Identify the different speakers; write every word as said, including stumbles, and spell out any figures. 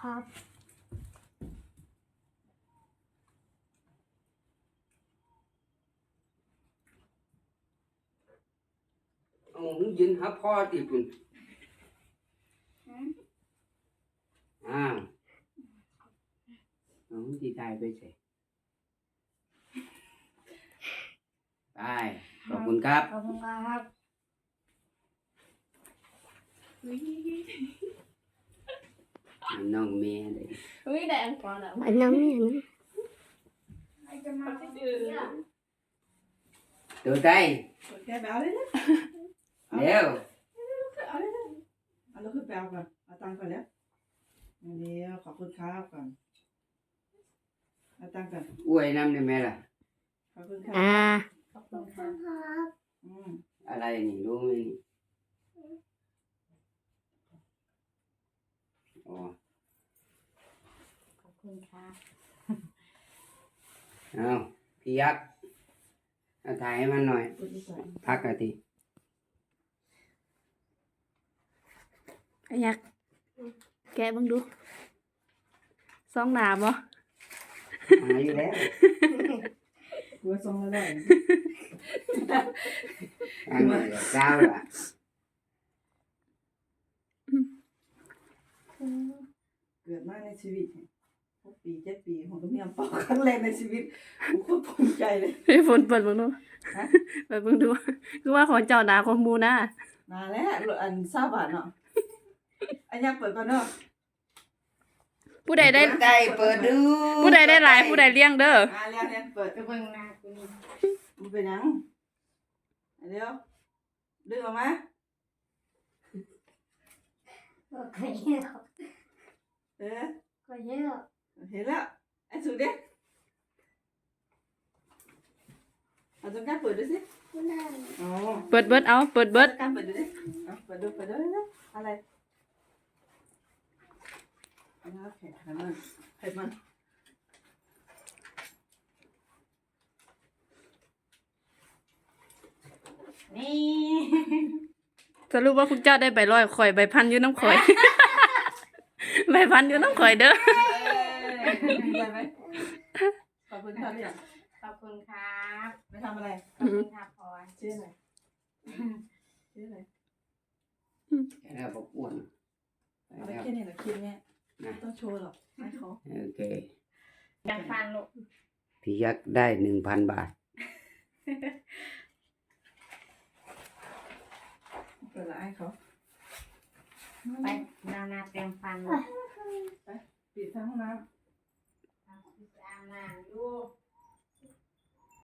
Speaker 1: ครับ
Speaker 2: เอายืนหาพ่อติปุ่นอ้าวน้องที่ตายไปเสียไปขอบคุณครับ
Speaker 1: ขอบคุณครับ
Speaker 2: น้องเมียเลย
Speaker 3: อุ้ยได้อันก่อนแล้ว
Speaker 1: อันน้ำเนี่ยนะ
Speaker 2: ตัวใจ
Speaker 4: แกไปเอาเลยนะ
Speaker 2: เร็ว
Speaker 4: เอาเลยนะเอาแล้วขึ้นไปเอาก่อนเอาตังค์ก่อนแล้วเดี๋ยวขอบคุณครับก่อนเอาตังค์ก่อน
Speaker 2: อวยน้ำได้ไหมล่ะ
Speaker 4: ขอบคุณครับ
Speaker 1: อ่า
Speaker 3: ขอบคุณค่ะ
Speaker 4: อืม
Speaker 2: อะไรนี่รู้ไหมนี่อ๋อ
Speaker 3: ขอบคุณค่ะ
Speaker 2: เอาพี่ยักษ์เอาถ่ายให้มันหน่อย
Speaker 4: พูดดีกว่า
Speaker 2: พักกันที
Speaker 3: อยากแกะบ้างดูซองหนาบ่
Speaker 2: หาอยู่แล้ว
Speaker 4: กลัวทรงแล้วได้
Speaker 2: อันนี้เจ้าล่ะ
Speaker 4: เกิดมาในชีวิตหกปีเจ็ดปีผมก็มีอังเปาครั้งแรกในชีวิตผมโคตรภูมิใจเลย
Speaker 3: พี่ฝนเปิดเบ้างดู
Speaker 4: ฮะ
Speaker 3: เปิดเบ้างดูคือว่าของเจ้าหนาของหมูนะ
Speaker 4: มาแล้วอันทราบบาทเนาะอันยังเปิดก่อนเนาะ
Speaker 3: ผู้ใดได้
Speaker 2: ใจเปิดดู
Speaker 3: ผู้ใดได้หลายผู้ใดเลี้ยงเด้อ
Speaker 4: มาแล้วเนี่ยเปิด
Speaker 1: ไปเบิ่งหน้ากูนี่
Speaker 4: มันเป็นยังเดี๋ยวดึงออกมา
Speaker 1: ก็เยอะ
Speaker 4: เออ
Speaker 1: ก็เยอะ
Speaker 4: เห็นแล้วไอ้สุดเด็กเอาตรงกลางเปิดดูสิ
Speaker 1: ไม่ได้
Speaker 4: อ๋อ
Speaker 3: เปิดเบิดเอาเปิดเบิด
Speaker 4: ตรงกลางเปิดดูดิเอาเปิดดูเปิดดูเลยอะไรเอาแล้วแข็งขันมันเผ็ดมันนี่
Speaker 3: สรุปว่าพวกเจ้าได้ใบร้อยข่อยใบพันอยู่น้ำข่อย ใบพันอยู่น้ำข่อยเด้อ
Speaker 4: ดีใจไหมขอบคุณครับเนี่ย
Speaker 3: ขอบคุณครับ
Speaker 4: ไปทำอะไร
Speaker 3: ขอบคุณครับพอ
Speaker 4: ชื่ออะไรชื่ออะไร
Speaker 2: แค่นั้นบอกอ้วนไป
Speaker 4: เอาไป
Speaker 2: แล้ว
Speaker 4: แค่นี้เหรอคลิปเนี้ย
Speaker 2: นะ
Speaker 4: ไม่ต้องโชว์หรอกให้เขา
Speaker 2: โอเค
Speaker 3: อยากฟันลูก
Speaker 2: พี่ยักษ์ได้หนึ่งพันบาท
Speaker 4: เปิดละให้เขา
Speaker 3: ไปดาวนาเตรียมฟัน
Speaker 4: ปิดทั้งห้องน้
Speaker 3: อาบน้ำอยู่
Speaker 4: ำ